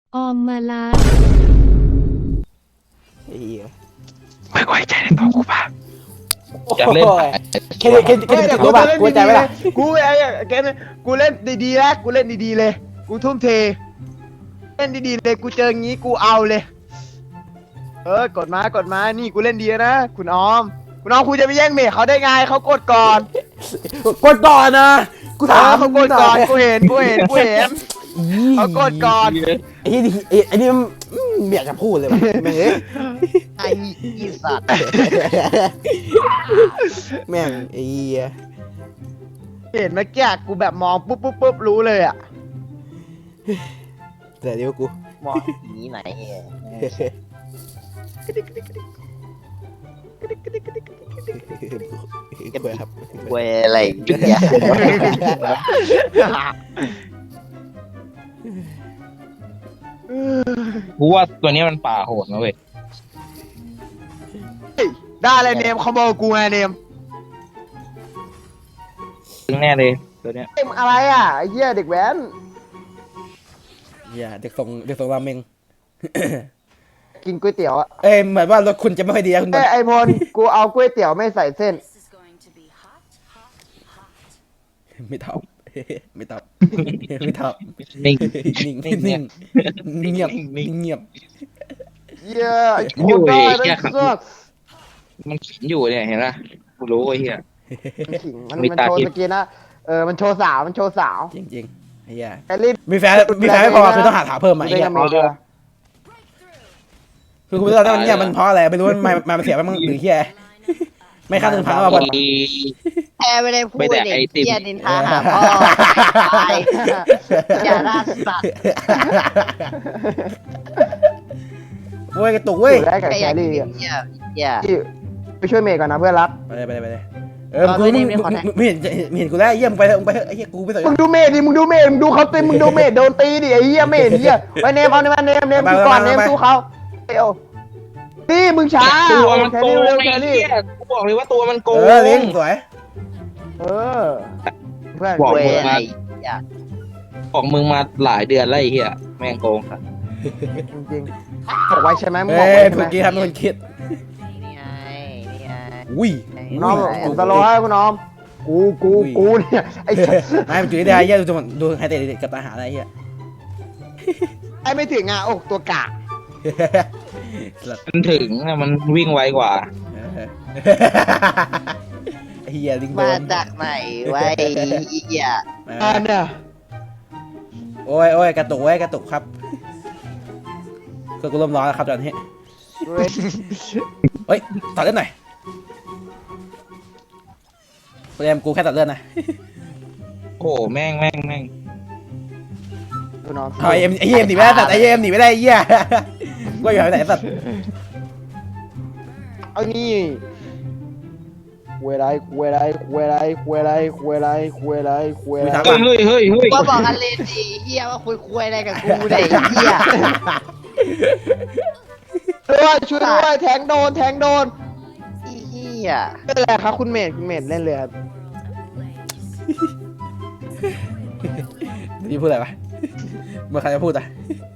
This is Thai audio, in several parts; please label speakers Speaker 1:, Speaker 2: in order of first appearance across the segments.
Speaker 1: ออมมาลา
Speaker 2: ไอ้เหี้ย
Speaker 3: ไม่ไว้ใจในตัวกูป่ะอยากเล่น
Speaker 2: แค่รู้ป่ะกูใจไหมล่ะ
Speaker 4: กูไอ้เกมกูเล่นดีๆนะกูเล่นดีๆเลยกูทุ่มเทเล่นดีๆเลยกูเจองี้กูเอาเลยกดมานี่กูเล่นดีนะคุณออมคุณจะไปแย่งเมฆเขาได้ไงเขากดก่อน
Speaker 2: กดก่อนนะกูถาม
Speaker 4: เขากดก่อนกูเห็นเขากดก่อน
Speaker 2: ไอ้นี่ไอ้นี่มันเบียดจะพูดเลยว่ะแม่งเอ้ย
Speaker 4: ไอ้อีสัตว์
Speaker 2: แม่งไอ้เหี้ย
Speaker 4: เห็นเมื่อกี้กูแบบมองปุ๊บรู้เลยอ่ะ
Speaker 2: แต่เดี๋ยวกู
Speaker 4: มองนี้ไหน
Speaker 2: เบื่อครับ
Speaker 4: เวอะไรเนี่ย
Speaker 3: กูว่าตัวนี้มันป่าโหดนะเว้ย
Speaker 4: ได้เลยเนมคอมโบกูไงเนม
Speaker 3: ตึงแน่เลยตัวเนี้ย
Speaker 4: เนมอะไรอ่ะไอ้เหี้ยเด็กแว้น
Speaker 2: อย่าเด็กส่งราเมง
Speaker 4: กินก๋วยเตี๋ยวอ่ะ
Speaker 2: เอ้ยเหมือนว่ารถคุณจะไม่ค่อยดีนะคุณบอล
Speaker 4: ไอ้พลกูเอาก๋วยเตี๋ยวไม่ใส่เส้น
Speaker 2: ไม่ตอบไม่ตอบไม่ตอบ
Speaker 3: นิ่ง
Speaker 2: นิ่งเงียบเงียบ
Speaker 4: เย้ไอ้คนได้ได้สัก
Speaker 3: มันขิงอยู่เนี่ยเห็นปะกูรู้ไอ้เหี้ย
Speaker 4: มัน
Speaker 3: มีตา
Speaker 4: โชว์
Speaker 3: ทิพย์
Speaker 4: สกินนะมันโชว์สาว
Speaker 2: จริงไอ้เหี้ย
Speaker 4: แอลลี่
Speaker 2: มีแฟนไม่พอคือต้องหาเพิ่มมาไอ้
Speaker 4: ได้
Speaker 2: เหี้ย
Speaker 4: กันหมดเลย
Speaker 2: คือกูไม่รู้ว่าเนี่ยมันเพราะอะไรไม่รู้มันเสียไปมั้งหรือเหี้ยไม่ค่า1,000มาบอล
Speaker 5: แพ้ไม่ได้พูด
Speaker 3: ไม่แต่
Speaker 5: เด็
Speaker 3: ไอก ติม
Speaker 5: เกียนินทาหาพ่อตายอย่าล่าสัตว์
Speaker 2: เว้ยกระตุกเว้ย
Speaker 4: ได้กับ
Speaker 5: แค่
Speaker 4: แค
Speaker 5: อยาก
Speaker 4: ลรี่
Speaker 5: กินอย่า
Speaker 4: ไปช่วยเมย์ก่อนนะเพื่อนรัก
Speaker 2: ไปเลยกูไม่เห็นกูแล้วเยี่ยมไปเถอะไปเถอะไอ้เหี้ยกูไม่สน
Speaker 4: มึงดูเมย์ดิมึงดูเขาตีมึงดูเมย์โดนตีดิไอ้เหี้ยเมย์เหี้ยไปเนมเอาเนมดูก่อนเนมสู้เขาเอ้านี่มึงช้า
Speaker 3: ตัวมัน
Speaker 4: แคล
Speaker 3: โก
Speaker 4: รี่
Speaker 3: ง
Speaker 4: เร็ว
Speaker 3: ไอ้
Speaker 4: แคลรี่
Speaker 3: เหี้ยกูบอกเลยว่าตัวมันโกง
Speaker 2: เลี้ยงสวย
Speaker 4: เพื่อน
Speaker 3: บอก
Speaker 5: เว้ย
Speaker 3: มึงมา
Speaker 5: อย่า
Speaker 3: บอกมึงมาหลายเดือนแล้วไอ้เหี้ยแม่งโกงครับ
Speaker 4: จริงๆบอกไว้ใช่ไหมมึงบ
Speaker 2: เอ้
Speaker 4: อกไว้
Speaker 2: ย
Speaker 4: ใช่ไหม
Speaker 2: เมื่อกี้ทำเป็นคนคิด
Speaker 5: นี่ไงนี่ไง
Speaker 2: อุ้ย
Speaker 4: น้องผมตลอดให้คุณน้องกูเนี่ยไอ้
Speaker 2: ไม่มันจุดได้เหี้ยดูไฮเตะกับอาหารอะไรเหี้ย
Speaker 4: ไอ้ไม่ถึงอ่ะโอ้ตัวกะ
Speaker 3: มันถึงอะมันวิ่งไวกว่า
Speaker 2: เฮียลิงโด
Speaker 5: มาน จากไหนไว้อีกอย่า
Speaker 4: เนี่ย
Speaker 2: โอ้ยกระตุกกระตุกครับก็กูเริ่มร้อนแล้วครับตอนนี้เฮ้ยตัดเลือดหน่อยกูกูแค่ตัดเลือดนะ
Speaker 3: โอ้แม่ง
Speaker 4: คุณน้อง
Speaker 2: ไอเอ็มหนีไม่ได้ตัดไอเอ็มหนีไม่ได้เหี้ยกูอยู่ไหนสัตว์
Speaker 4: เอานี่เวลา
Speaker 3: เฮ้ย
Speaker 5: ก็บอกกันเลยสิเฮียว่าคุยอะไรกับกูเนี่ยเฮีย
Speaker 4: ช่วยด้วยแทงโดน
Speaker 5: เฮีย
Speaker 4: เล่นอะไรครับคุณเมธเล่นเลยครับ
Speaker 2: นี่พูดอะไรวะเมื่อใครจะพูดอ่ะ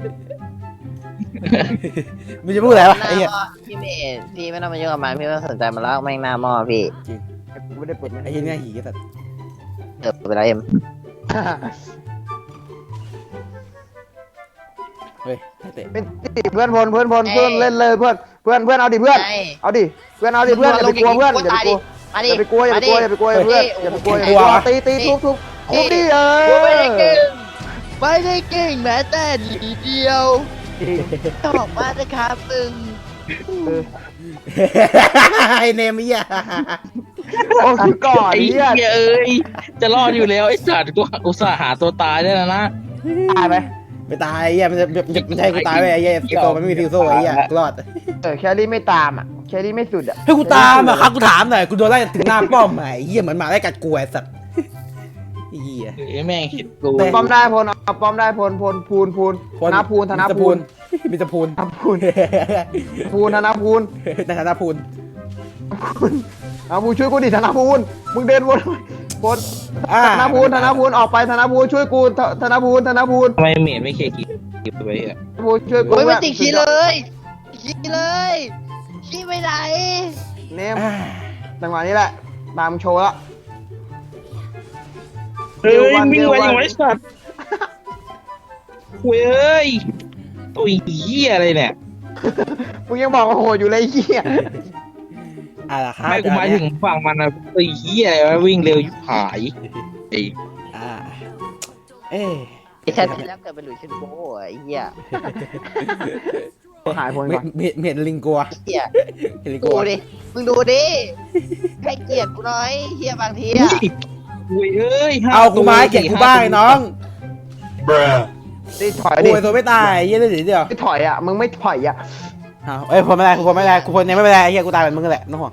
Speaker 2: มึงจะพูดอะไรวะไอ้เหี้ย
Speaker 5: พี่เมย์พี่ไม่ต้องมายุ่งกับมันพี่ไม่ต้องสนใจมันแล้วแม่งหน้าหม้อพี่
Speaker 4: กูไม่ได้เปิดมัน
Speaker 2: ไอ้เหี้ยเนี่ยหีสัตว์
Speaker 5: ไปแล้วเอ็ม
Speaker 2: เฮ้ยเตะ
Speaker 4: เป็นเพื่อนพลเล่นเลยเพื่อนเอาดิเพื่อนเอาดิเพื่อนอย่าไปกลัวเพื่อนอย่าไปกลัวเพื่อนอย่าไปกลัวตีทุบดิ
Speaker 5: ไม่ได้เก่งแม้แต่นิดเดียวบอกว่าจะครับมึง
Speaker 2: ไอ้เนมเหี้ย
Speaker 4: โอ้คือก่อน
Speaker 3: ไอ้
Speaker 4: เนี่
Speaker 3: เหี้
Speaker 4: ย
Speaker 3: ยเอ้ยจะรอดอยู่แล้วไอ้สัตว์กูอุตส่าห์หาตัวตายได้แล้วนะ
Speaker 4: ตายไหม
Speaker 2: ไม่ตายไอ้เหี้ยมันจะใช่กูตายไปไอ้เหี้ยฟิโซมันไม่มีฟิโซไอ้เหี้ยรอด
Speaker 4: แคลรี่ไม่ตามอ่ะแคลรี่ไม่สุดอ่ะ
Speaker 2: ให้กูตามอ่ะครับกูถามหน่อยกูโดนไล่ถึงหน้าป้อมไอ้เหี้ยเหมือนหมาไล่กัดกูไอ้สัตว์เหี้ย
Speaker 3: ไอ้แม่งเห็นกู
Speaker 4: ป้อมได้พลเอาป้อมได้พลพูนธนพูน
Speaker 2: มิตรพูน
Speaker 4: ธนพูนธนพูน
Speaker 2: ในฐานะพูน
Speaker 4: เอาพูช่วยกูดิธนพูนมึงเดินวนธนพูนออกไปธนพูนช่วยกูธนพูน
Speaker 3: ทำไมเมดไม่เคลียร์กินไปอ่ะ
Speaker 4: กูช่วยกู
Speaker 5: โอ้ย
Speaker 4: ด้
Speaker 5: มั
Speaker 4: วน
Speaker 5: ติดขี้เลยขี้เลยขี้ไปไหน
Speaker 4: เนมจังหวะนี้แหละตามโชว์ละ
Speaker 3: เฮ้ยวิ่งไวอย่างไรสัตว์เว้ยตัวเหี้ยอะไรเนี่ย
Speaker 4: มึงยังบอกว่าโหดอยู่เลยไอ้เหี้ย
Speaker 2: ล่ะครับ
Speaker 3: ไม่กูหมายถึงฝั่งมันนะตัวเหี้ยอะไรวะวิ่งเร็วยุบหายไอ้
Speaker 2: อ่าเอ๊ะ
Speaker 5: ไอ้แค่ที่แล้วเกิดเป็นหลุยส์เชนโก้ไอ้เหี้ย
Speaker 4: หายพล
Speaker 2: เม
Speaker 4: ก่อน
Speaker 2: เห็นลิงกัว
Speaker 5: เหี้ย
Speaker 2: เห็นลิง
Speaker 5: ดู
Speaker 2: กัว
Speaker 5: ดิมึงดูดิให้เกียรติกูหน่อยเหี้ยบางที
Speaker 3: เฮ้
Speaker 5: อะ
Speaker 3: ยเว้ยเอ้ย
Speaker 2: เอากูมาให้เก็บกูบ้างไอ้น้อง
Speaker 4: นี่ถอย
Speaker 2: กู
Speaker 4: ดิ
Speaker 2: ไอ้ตัวไม่ตายเยี่ยได้เดียว
Speaker 4: ไม่ถอยอ่ะมึงไม่ถอยอ่ะ
Speaker 2: อ้าวเอ้ยพลไม่ได้กูพลไม่ได้กูพลยังไม่เป็นไรเฮียกูตายเป็นมึงแหละน้องห่วง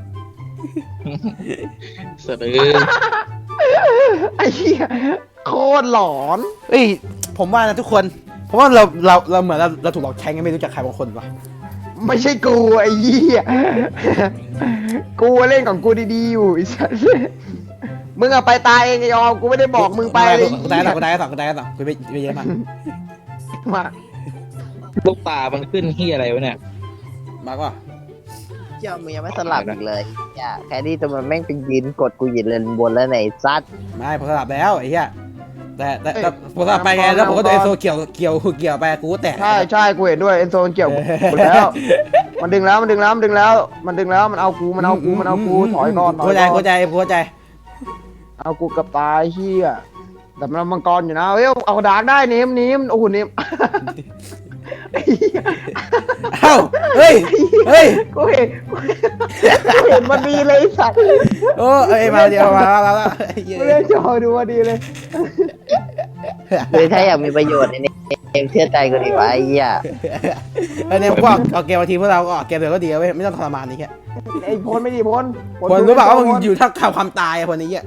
Speaker 3: เสนอ
Speaker 4: ไอ้เหี้ยโคตรหลอน
Speaker 2: เอ้ยผมว่านะทุกคนผมว่าเราเหมือนเราถูกหลอกใช้กันไม่รู้จักใครบางคนวะ
Speaker 4: ไม่ใช่กูไอ้เหี้ยกูเล่นของกูดีๆอยู่ไอ้สัสมึงอะไปตายเองไอ้ยอมกูไม่ได้บอกมึงไปเลย
Speaker 2: กูตายแล้วกูตายแล้วกูตายแล้วกูไปเยอะมาก
Speaker 4: มา
Speaker 3: ลูกตามันขึ้นเหี้ยอะไรวะเนี่ย
Speaker 2: มากว่า
Speaker 5: เจ้ามึงยังไม่สลับอีกเลยอย่าแค่นี้ตัวมันแม่งเป็นยืนกดกูหยินเลนบนแล้วไหนซัด
Speaker 2: ไม่ผมสลับแล้วไอ้เหี้ยแต่ผมสลับไปไงแล้วผมก็โดนไอโซเกี่ยวไปกูแตก
Speaker 4: ใช่กูเห็นด้วยเอ็นโซนเกี่ยวกูแล้วมันดึงแล้วมันเอากูถอยก่อน
Speaker 2: เข้าใจ
Speaker 4: เอากูกับตายเหี้ยแต่มันมังกรอยู่นะเอ้ยเอาดาร์กได้เนมโอ้โหเนม
Speaker 2: เอ้าเฮ้ย
Speaker 4: กูเห็นมันดีเลยสัตว์
Speaker 2: โอ้เอ้ยมาเดียวมาแล้ว
Speaker 4: ไม่ได้จอดูว่าดีเลย
Speaker 5: คือถ้าอยากมีประโยชน์ในเกมเชื่อใจกูดีกว่าไอ้เหี้ย
Speaker 2: ไอ้เนี่ยพวกเอาเกมมาทีพวกเราก็เกมเดียวก็ดีเว้ยไม่ต้องทรมานนี่แค่
Speaker 4: ไอ้พลไม่ดีพล
Speaker 2: คนรู้เปล่าว่ามึงอยู่ถ้าข่าวความตายคนนี้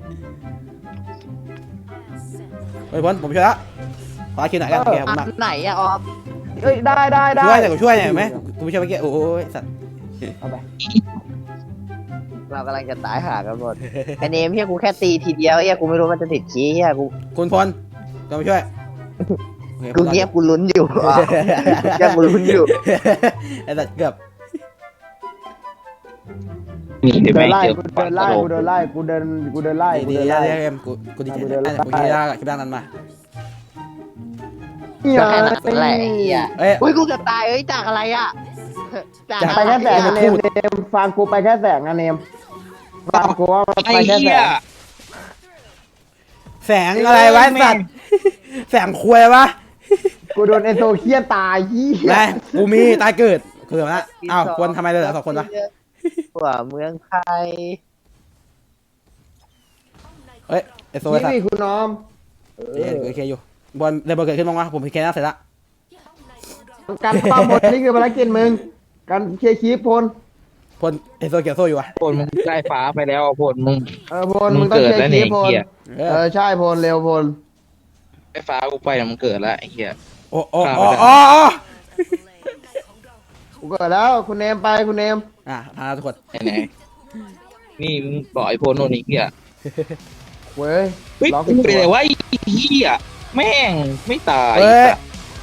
Speaker 2: เฮ้ยพลผมช่วยละขอคิวหน่อยกันเกม
Speaker 5: อั
Speaker 2: มาก
Speaker 5: นไหนอะออม
Speaker 4: เอ้ยได้
Speaker 2: ช่วยเนี่ยไหมกูช่วยเมื่อกี้โอ้ยสัตว์
Speaker 4: เอาไป
Speaker 5: เรากำลังจะตายหากันหมดไอเนมเฮียกูแค่ตีทีเดียวเฮียกูไม่รู้มันจะติดชี้เฮียกู
Speaker 2: คุณพลก็มาช่วย
Speaker 5: กูเงียบกูลุ้นอยู่เงียบกูลุ้นอยู่
Speaker 2: ไอ้สัตว์เกือบ
Speaker 3: นี่เดี๋ยว
Speaker 4: เดิ
Speaker 3: แม่
Speaker 4: น
Speaker 3: ง
Speaker 4: ไล่
Speaker 3: เจอ
Speaker 4: กูเดินไล่กูเดินไล่
Speaker 2: ดีกูดีใจกูคิดได้คิดได้นั้นมา
Speaker 5: ก็แค่นั้นแหละไอ้เฮีย
Speaker 2: เอ้ย
Speaker 5: อุ้ยกูจะตายเอ้ยจากอะไรอะจาก
Speaker 4: ไปแค่แสงนะเนมฟังกูไปแค่แสงนะเนมฟังกูว่า
Speaker 3: ไอ้
Speaker 4: ไปแค่แส
Speaker 3: เหี้ย
Speaker 4: ง
Speaker 2: แสงอะไรวะสัตว์แสงควยวะ
Speaker 4: กูโดนเอโซเคียนตายยี่
Speaker 2: ไงกูมีตายเกิดคือแบบนั้นอ้าวคนทำไมเลยเหลือ2 คนวะ
Speaker 5: หัวเมืองไทย
Speaker 2: เฮ้ยไอโซ่
Speaker 4: นี่
Speaker 2: สัตว์
Speaker 4: นี่คุณน้อม
Speaker 2: โอเคอยู่บอลเดบเกิดขึ้นบ้างวะผมเคลียร์หน้าเสร็จละ
Speaker 4: การป้อมบนนี่คือภารกิจมึงการเคลียร์คีพล
Speaker 2: พลไอโซ่เกี่ยวโซ่อยู่วะ
Speaker 3: พลมึงได้ฟ้าไปแล้วพลมึง
Speaker 4: พลมึงต้อง
Speaker 3: เกิด
Speaker 4: เคลีย
Speaker 3: แล้ว
Speaker 4: ร์คี
Speaker 3: เนี่ย
Speaker 4: พล
Speaker 3: เหี้ย
Speaker 4: ใช่พลเร็วพล
Speaker 3: ได้ฟ้ากูไปแล้วมึงเกิดแล้วไอ้เหี้ย
Speaker 2: โอ้
Speaker 4: กูเกิดแล้วคุณเนมไปคุณเนม
Speaker 2: พาทุกคน
Speaker 3: ไหนนี่มึงบอกไอ้พลโน่นนี่เหี้ย
Speaker 4: เว้ย
Speaker 3: เฮ้ย
Speaker 4: ล็อก
Speaker 3: กูไปเลยว่าไอ้เหี้ยแม่งไม่ตาย
Speaker 2: เฮ้ย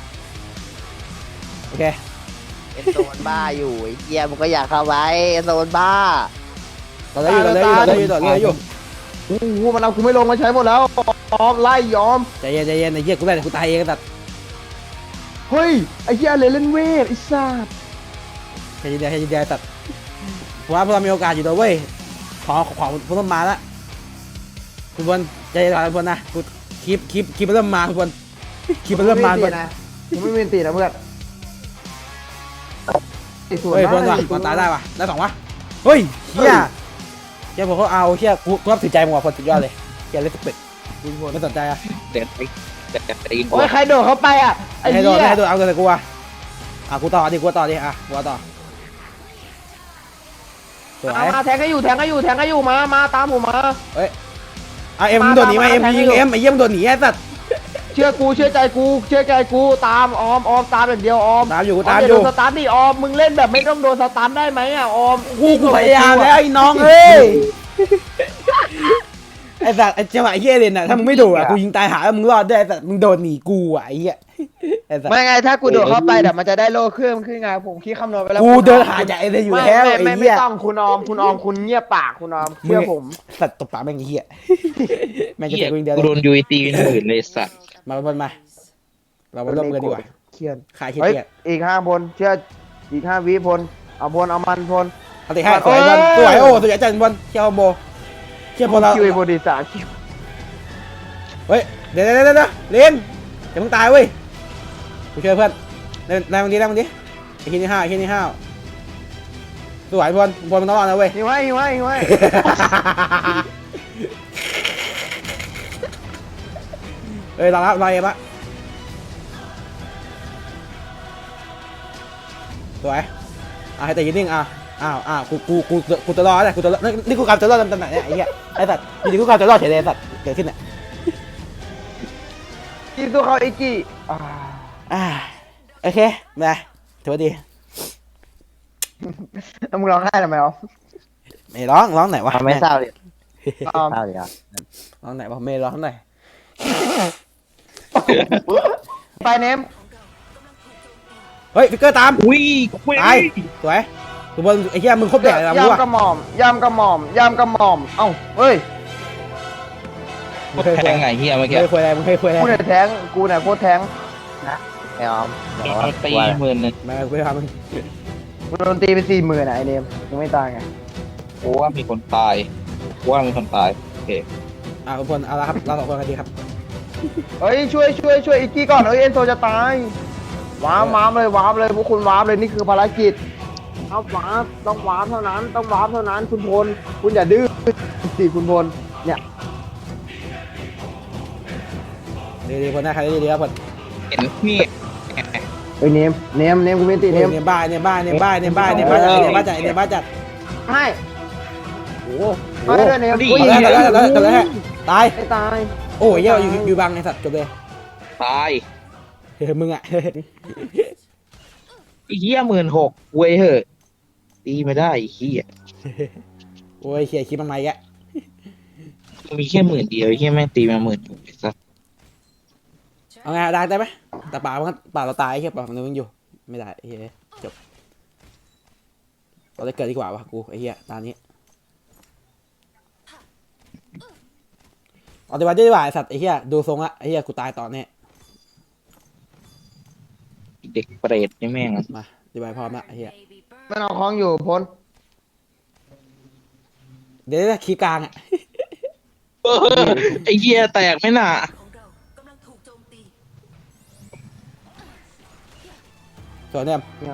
Speaker 2: โอเค
Speaker 5: เอ็นโซนบ้าอยู่ไอ้เฮียมึงก็อยากเข้าไว้เอ็นโซนบ้า
Speaker 2: ต่อเลยอยู่
Speaker 4: โอ้โหมันเอากูไม่ลงมาใช้หมดแล้วยอมไล่ยอม
Speaker 2: ใจเย็นไอ้เหี้ยกูได้แต่กูตายเองสัตว์
Speaker 4: เฮ้ยไอ้เหี้ยเลยเล่นเวทไอ้สัส
Speaker 2: ใจเย็นสัตว์ผมว่าพวกเรามีโอกาสอยู่ด้วยเว้ยของพวกเรามาแล้วคุณพลใจเย็นคุณพลนะกูคลิปมันเริ่มมาคุณพลคลิปมันเริ่มมา
Speaker 4: นะกูไม่มีตีนะเพื่อน
Speaker 2: เฮ้ยพลว่ะพลตายได้ว่ะได้2 วะเฮ้ยเฮียเฮียผมเขาเอาเฮียกูรับถือใจมึงว่ะพลสุดยอดเลยเฮียเล่นสเปกไม่สนใจอ่ะ
Speaker 3: เด็ดไปกินกู
Speaker 4: โอ้ยใครโดดเข้าไปอ่ะไอ้
Speaker 2: ให้
Speaker 4: เหี้ย
Speaker 2: โดนเอาแต่กูอ่ะกูต่อดิกูต่อสวย
Speaker 4: มาแทงก็อยู่มาตามผมมา
Speaker 2: เฮ้ยเอ็มโดนหนีไหมเอ็มยิงเอ็มไอ้เยี่ยมโดนหนีไอ้สัตว์
Speaker 4: เชื่อใจกูตามออมตามอย่างเดียวออม
Speaker 2: ตามอยู่
Speaker 4: โดนสตันดิออมมึงเล่นแบบไม่ต้องโดนสตันได้ไหมอ่ะออม
Speaker 2: กูพยายามแล้วไอ้น้องเอ้ยไอ้สัตว์ไอ้จังหวะเฮียเลนอ่ะถ้ามึงไม่โดดอ่ะกูยิงตายหาแล้วมึงรอดได้แต่มึงโดนหนีกูอ่ะไอ้เหี้ยไอ้อ้สัตว์
Speaker 4: ไม่ไงถ้ากูโดดเข้าไปเดี๋ยวมันจะได้โล่เครื่องขึ้นไงผมคิดคำนวณไปแล้ว
Speaker 2: กูเดินหาจากไอ้เนี่ยอยู่แล้วไอ้
Speaker 4: ไม่
Speaker 2: เหี้ย
Speaker 4: ต้องคุณออมคุณเงียบปากคุณออมเชื่อผม
Speaker 2: สัตว์ตบปากแม่งไอ้เหี้ยแม่งจะ
Speaker 3: เหี้ย
Speaker 2: เตะกูอย่างเดียว
Speaker 3: กู
Speaker 2: เล
Speaker 3: โด
Speaker 2: ย
Speaker 3: นยูไอตีเป็นหมื่นเลยสัตว์
Speaker 2: มาบนมาเรามาเริ่มกันดีกว่า
Speaker 4: เครียด
Speaker 2: ขายเครี
Speaker 4: เฮ้ย
Speaker 2: ยด
Speaker 4: อีก5 พลเชื่ออีก5 วิพลเอาพลเอามันพล
Speaker 2: เอาติให้สวยบอลสวยโอ้สวยจังบอลเชี่ยวโบเชี่ยวบอลเรา
Speaker 4: คิวไอ้บดีสามคิว
Speaker 2: เฮ้ยเดี๋ยวเล่นอย่าเพิ่งตายเว้ยกูช่วยเพื่อนเล่นแรงมันดีไอ้ขี้นี่ห้าวสวยบอลมันต้องรอดนะเว้ย
Speaker 4: หิวไว้
Speaker 2: เอ้ยรอเอ็มละสวยให้แต่ยืนนิ่งกูจะรอเลยนี่กูกำจะรอดตำแหน่งเนี่ยไอ้เหี้ยไอ้สัตว์อยู่ดีกูกำจะรอดเฉยเลยสัตว์เกิดขึ้นเนี่ย
Speaker 4: กินตัวเขาไอ้กี้
Speaker 2: โอเคมาถือว่าดี
Speaker 4: แล้วมึงร้องไห้ทำไมอ๋อ
Speaker 2: ไม่ร้องไหนวะ
Speaker 5: ไม่เศร้าดิ
Speaker 4: ออม
Speaker 5: เศร้าดิอ่ะ
Speaker 2: ร้องไหนวะไม่ร้องไหน
Speaker 4: ไปเนม
Speaker 2: เฮ้ยฟิกเกอร์ตาม
Speaker 3: อุ้ยคุย
Speaker 2: ตายสวยคือบอลไอ้เหี้ยมึงครบแดดอะไรมึงวะ
Speaker 4: ยำกระหม่อมเอ้าเฮ้ย
Speaker 3: แทงไงเฮียเมื่อ
Speaker 2: มึง
Speaker 3: กี้
Speaker 2: เคยคุยอะไรมึงเคยคุยอะไร
Speaker 4: กูเนี่ยแทงกูเนี่ยโคตรแทง
Speaker 5: ไอ้ออม
Speaker 3: โดนตีหมื่นนึง
Speaker 2: มาคุยทำมึง
Speaker 4: กูโดนตีไป40,000อ่ะไอเนมยังไม่ตายไง
Speaker 3: กูว่ามีคนตายกูว่ามีคนตายโอเค
Speaker 2: ทุกคนเอาละครับเราสองคนกันดีครับ
Speaker 4: เฮ้ยช่วยอีกกี้ก่อนเฮ้ยเอ็นโซจะตายว้าร์ปเลยพวกคุณว้าร์ปเลยนี่คือภารกิจเอาว้าร์ปต้องว้าร์ปเท่านั้นคุณพลคุณอย่าดื้อสิคุณพลเนี่ย
Speaker 2: ดีคนหน้าใครดีครับคน
Speaker 3: เห็นนี่
Speaker 4: เฮ้ยเนมกูไม่ติดเนม
Speaker 2: เนี่ยบ้าจัด
Speaker 4: ให้
Speaker 2: โอ้โห
Speaker 4: ให้ด้วยเนม
Speaker 2: แล้วตาย
Speaker 4: ไม่ตาย
Speaker 2: โอ้ยเหี้ยอยู่บังไอ้สัตว์จบเลย
Speaker 3: ตาย
Speaker 2: มึงอ่ะ
Speaker 3: ไอ้เฮีย16,000เว้ยเหอะตีไม่ได้ไอ้เฮีย
Speaker 2: โอ้ยเขี่ยคิดมันมาอีกแล้ว
Speaker 3: มีแค่10,000เดียวไอ้เฮียแม่งตีมา16,000ไอ้สัส
Speaker 2: เอาไงได้ไหมแต่ป่าเราตายแค่ป่ามันยังอยู่ไม่ได้เฮ้ยจบเราได้เกิดดีกว่าวะกูไอ้เหี้ยตอนนี้เอาดีกว่าไอ้สัตว์ไอ้เหี้ยดูทรงละไอ้เหี้ยกูตายตอนนี้
Speaker 3: เด็กเปรตนี่แม่ง
Speaker 2: มาดีกว่าพร้อมละไอ้เหี้ย
Speaker 4: มันเอาของอยู่พล
Speaker 2: เดี๋ยวคีย์กลางอ่ะ
Speaker 3: ไอ้เฮียแตกไหมน่ะ
Speaker 2: ส่วนเนี่ย
Speaker 4: ไง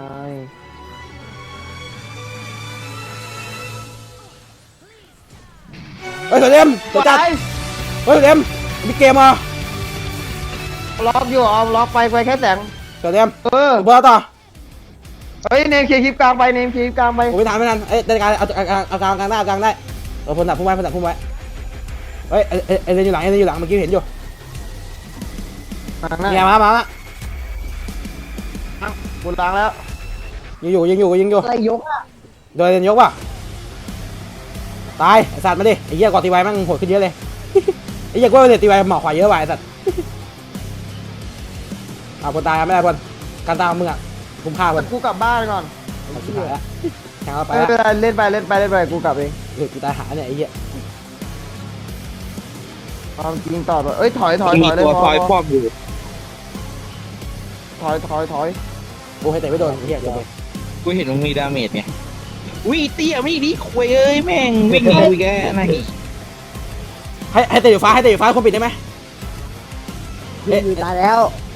Speaker 2: เฮ้ยส่วนเนี่ยตัวจัดเฮ้ยส่วนเนี่ยมีเกมอ่ะ
Speaker 4: ล็อกอยู่เอาล็อกไปแค่แสง
Speaker 2: ส่วนเนี่ย
Speaker 4: เออ
Speaker 2: เบอร์ต่อ
Speaker 4: เฮ้ยเนมเคลียร์คลิปกลางไปเนมเคลียร์คลิปกลางไป
Speaker 2: ผมไม่ทันเอ้ยได้การเอากลางได้เอากลางได้เอาพลดับพุ่งไว้เฮ้ยไอ้เรนอยู่หลังเมื่อกี้เห็นอยู่
Speaker 4: มาหน้า
Speaker 2: เนี่ยมาละ
Speaker 4: บุญล้างแล้ว
Speaker 2: ยิงอยู่
Speaker 4: อะไรยกอ่ะ
Speaker 2: โดยเรนยกว่ะตายไอ้สัตว์มาดิไอ้เหี้ยกอดตีไว้มั่งโหดขึ้นเยอะเลยไอ้เหี้ยกูว่าเนี่ยตีไว้หมอกขวาเยอะว่ะไอ้สัตว์เอาคนตายไม่ได้คนการตามมึงอ่ะคุ้มค่าคน
Speaker 4: กูกลับบ้านก่อน
Speaker 2: เอาชิบหายละแข่งเอาไป
Speaker 4: ไม่
Speaker 2: ละ
Speaker 4: เป็นไรเล่นไปกูกลับเอง
Speaker 2: กูตายหาเนี่ยไอ้เหี้ย
Speaker 4: ความจริงต่อเอ้ยถอย
Speaker 3: มี
Speaker 4: เลย
Speaker 3: ตัวคอยครอบอยู่
Speaker 4: ถอย
Speaker 2: กูให้เตะไม่โดนไอ้เหี้ยเดี๋ยวไป
Speaker 3: กูเห็นมึงมีดาเมจไงวิ่งเตี้ยไม่ดีคุยเอ้ยแม่งวิ่งเอาอีกแกไหน
Speaker 2: ให้เตะอยู่ฟ้าคนปิดได้ไหม
Speaker 5: ตายแล้ว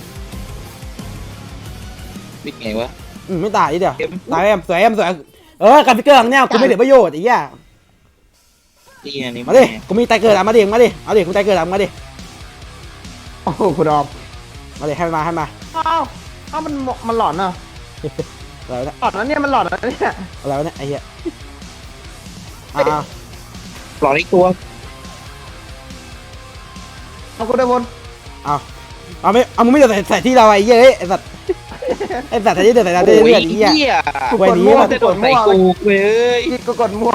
Speaker 3: วิ่งไงวะ
Speaker 2: ไม่ตายอีเดียวตายสวยการฟิกเกอร์ของเนี่ยกูไม่เหลือประโยชน์ไอ้เหี้ย
Speaker 3: เตี้ยนี่
Speaker 2: มาดิกูมีไตเกิดอ่ะมาดิเอาดิกูไตเกิดอ่ะมาดิ
Speaker 4: โอ้โหคุณออม
Speaker 2: มาดิให้มา
Speaker 4: อ้าวมันหลอนอ่ะ
Speaker 2: อะไรวะเนี่ย
Speaker 4: หลอนนะเนี่ยมันหลอนนะเนี่ย
Speaker 2: อะไรวะเนี่ยไอ้เหี้ยอ่า
Speaker 3: หลอกอีกตัว
Speaker 4: เอาคุณได้บน
Speaker 2: เอามึงไม่เดือดใส่ที่เราไอ้เหี้ยไอ้สัตว์ใส่ที่เดือดใส่เราเดือดไอ้เหี้ย
Speaker 4: กู
Speaker 2: ไว้
Speaker 4: กด
Speaker 2: นี้
Speaker 4: มั่ว
Speaker 3: จะโดนใส่กูเว้ย
Speaker 4: พี่ก็กดมั่ว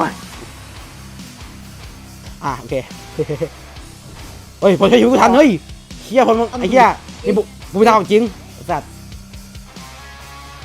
Speaker 2: โอเคเฮ้ยพอใช้ยูกูทันเฮ้ยเหี้ยพอมึงไอ้เหี้ยนี่บุกไม่ทำจริงสัตว์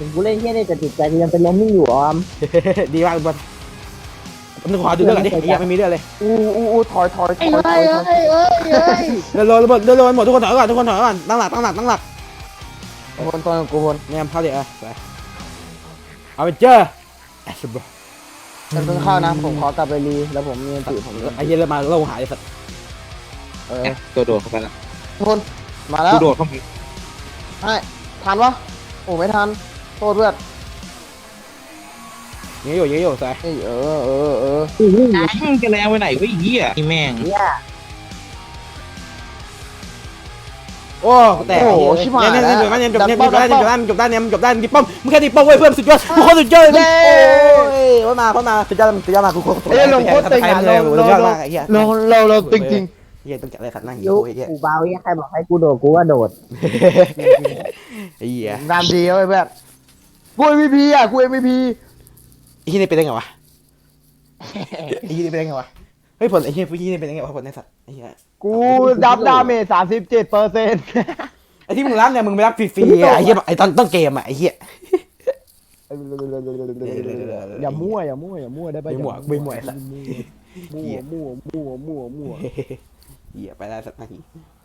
Speaker 5: ถึงกูเล่นแค่นี้แต่จิตใจกูยังเป็นล้มนิ่งอยู่ออม
Speaker 2: ดีมากคุณบอลผมนึกขอดูเรื่องก่อนดิไอ้เหี้ยไม่มีเรื่องเลย
Speaker 4: อู้ถอย
Speaker 5: ไอ้เอ้ยเอ้ยเอ้ยเอ้ย
Speaker 2: เดินโลนหมดทุกคนถอยก่อนทุกคนถอยก่อนตั้งหลักตั้งหลัก
Speaker 4: คนตัวกูคน
Speaker 2: เนี่ยเข้าดิไปเอาไปเจอไอ้ชิบะ
Speaker 4: ฉันเพิ่งเข้านะผมขอกลับไปรีแล้วผมมีติผม
Speaker 2: ไอ้เหี้ยเริ่มมาเริ่มหายไอ้สัตว์
Speaker 3: ตัวโดดเข้าไปแล้ว
Speaker 4: คนมาแล้
Speaker 3: กู
Speaker 4: ว
Speaker 3: โดดเข้าไป
Speaker 4: ให้ทันวะโอ้ไม่ทันโทษเพื่อน
Speaker 2: ยิงอยู่ใส่
Speaker 4: เฮ้ยเออ
Speaker 3: มึงจะแรงไปไหนวะไอ้เหี้ยไอ้แม่ง
Speaker 2: โอ้แต่เนี่ยจบได้ตีป้อมมึงแค่ตีป้อมเว้ยเพื่อนสุดยอดทุกคนสุดยอดเลยโอ้ยว่ามาสุดยอดมากู
Speaker 4: เอ้ยลงโคตรเต็งอ่ะ
Speaker 2: เลยสุดยอดมากไอ้เหี้ย
Speaker 4: เราจริง
Speaker 2: เหี้ยต้องจัดอะไรสัตว์นั่ง
Speaker 5: ยุ
Speaker 2: ไอ้เหี้ย
Speaker 5: กูเบาใครบอกให้กูโดดกูว่าโดด
Speaker 2: ไอ้เหี้ย
Speaker 4: ๆงานดีเอาไปแบบกู MVP อ่ะกู MVP
Speaker 2: ไอ้เหี้ยนี่เป็นได้ไงวะไอ้เหี้ยนี่เป็นได้ไงวะเฮ้ยผลไอ้เหี้ยผู้ยี่นี่เป็นยังไงวะผลในสัตว์ไอ้เหี้ย
Speaker 4: กูดับดาเมจ37%
Speaker 2: ไอ้ที่มึงรับเนี่ยมึงไม่รับฟรีๆไอ้เหี้ยไอ้ตอนต้นเกมอ่ะไอ้เหี้ย
Speaker 4: อย่ามั่วได้ปะ
Speaker 2: ไม่หมวยสัตว์
Speaker 4: มั่ว
Speaker 2: เหี้ยไปได้สักนาที